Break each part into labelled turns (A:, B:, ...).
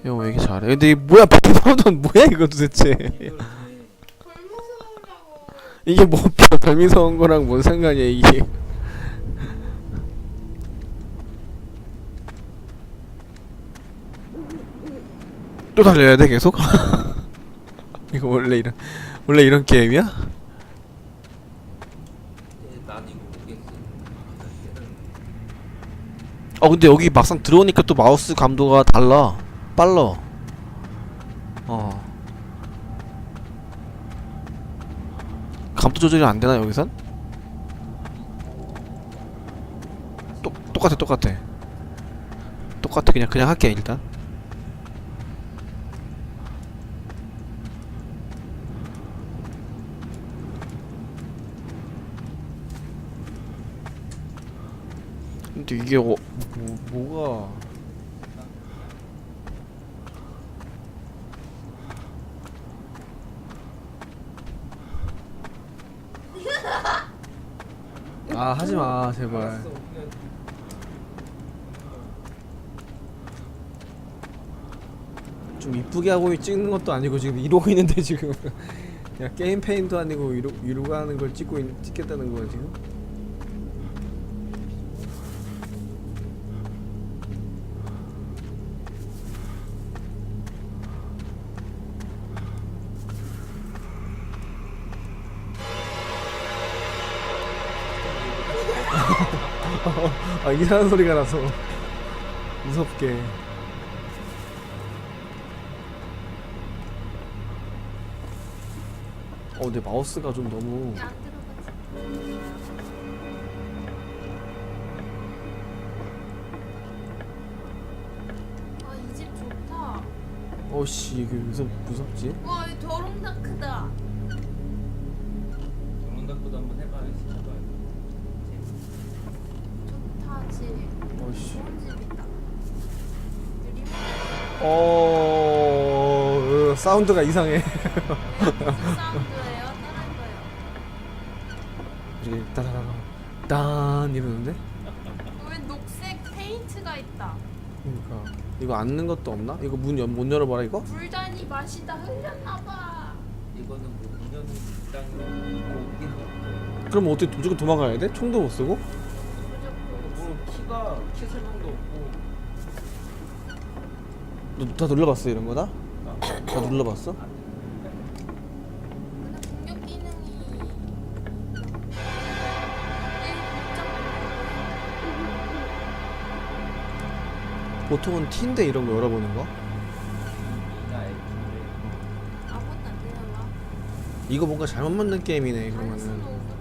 A: 형 왜 이렇게 잘해? 근데 이 뭐야 별미성은 뭐야 이거 도대체? 이게 뭐 별미성은 거랑 뭔 상관이야 이게? 또 달려야 돼 계속? 이거 원래 이런 게임이야?
B: 난 이거 모르겠어.
A: 근데 여기 막상 들어오니까 또 마우스 감도가 달라. 빨라. 감도 조절이 안 되나 여기선? 똑같아. 똑같아. 그냥 할게 일단. 근데 이게 뭐가 하지마 제발.
B: 알았어.
A: 좀 이쁘게 하고 찍는 것도 아니고 지금 이러고 있는데 지금 야 게임 페인도 아니고 이러고 하는 걸 찍겠다는 거야 지금? 이상한 소리가 나서 무섭게. 근데 마우스가 좀 너무
C: 이 집 좋다.
A: 어씨 이게 무섭지?
C: 와, 이 더롱다크다.
B: 정원닭보다 한번 해봐야지. 제발.
C: 좋다, 집.
A: 어씨.
C: 좋은 집이다.
A: 사운드가 이상해.
C: 무슨 사운드예요? 다른 거요.
A: 이게 따다다다 딴 이러는데?
C: 왜 녹색 페인트가 있다.
A: 그러니까 이거 앉는 것도 없나? 이거 못 열어봐라 이거?
C: 불단이 맛이 다 흘렸나봐.
B: 이거는 뭐 인연이 땅 있고
A: 그럼 어떻게 무조건 도망가야 돼? 총도 못 쓰고?
B: 뭐 키 설명도 없고.
A: 너 다 눌러봤어 이런 거다? 다 눌러봤어?
C: 근데 공격 기능이
A: 보통은 T인데 이런 거 열어보는 거?
B: 이나 F인데
C: 아무것도 안 되나?
A: 이거 뭔가 잘못 만든 게임이네 그러면은.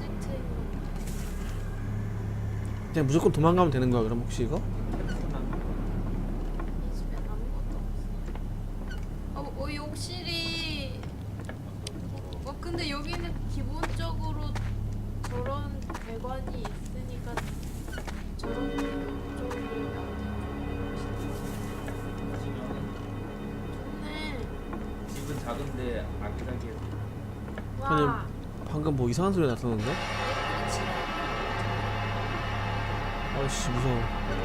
A: 그냥 무조건 도망가면 되는 거야 그럼 혹시 이거?
C: 이 집에 아무것도 없어. 이 욕실이. 근데 여기는 기본적으로 저런 배관이 있으니까 저런 쪽으로 좋네.
B: 집은 작은데 아기자기해.
C: 와.
A: 방금 뭐 이상한 소리 났었는데? 아이씨 무서워.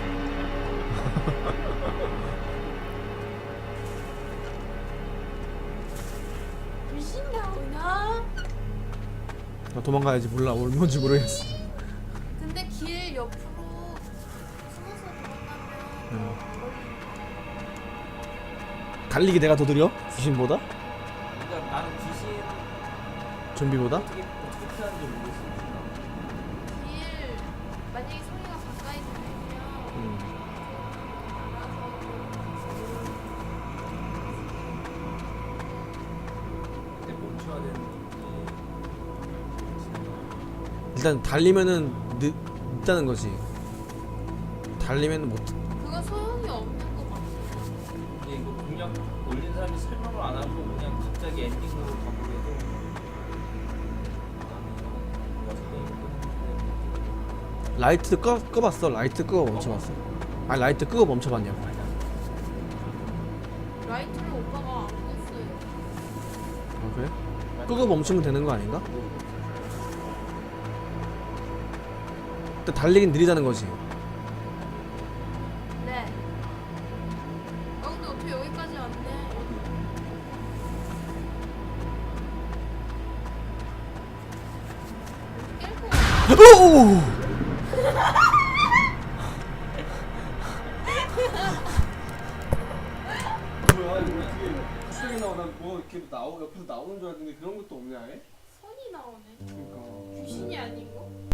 C: 귀신 나오나?
A: 나 도망가야지. 몰라 뭔지 모르겠어.
C: 근데 길 옆으로 숨어서 들어가면
A: 달리기 내가 더 느려? 귀신보다?
B: 그러니까 나는 귀신
A: 좀비보다?
B: 어떻게 피하는지 모르겠어.
C: 길 만약에 소리가 가까이 들리면
B: 근데 멈춰야 되는
A: 일단 달리면은 늦다는 거지. 달리면은 못.
C: 그거 소용이 없는 것 같아.
B: 근데 이거 공략 올린 사람이 설명을 안 하고 그냥 갑자기 엔딩으로 가보게 해도
A: 라이트 꺼봤어? 라이트 끄고 멈춰봤어? 아니 라이트 끄고 멈춰봤냐고.
C: 라이트를 오빠가 안 껐어요.
A: 아 그래? 끄고 멈추면 되는 거 아닌가? 근데 달리긴 느리다는 거지.
C: 네. 근데 어떻게 어차피 여기까지 왔네. 깰 거 같아.
A: 오!
D: 뭐야 이거 어떻게 수정이 나오나 뭐 이렇게 옆에서 나오는 줄 알았는데 그런 것도 없네 아예?
C: 선이 나오네.
D: 그러니까
C: 귀신이 아니고.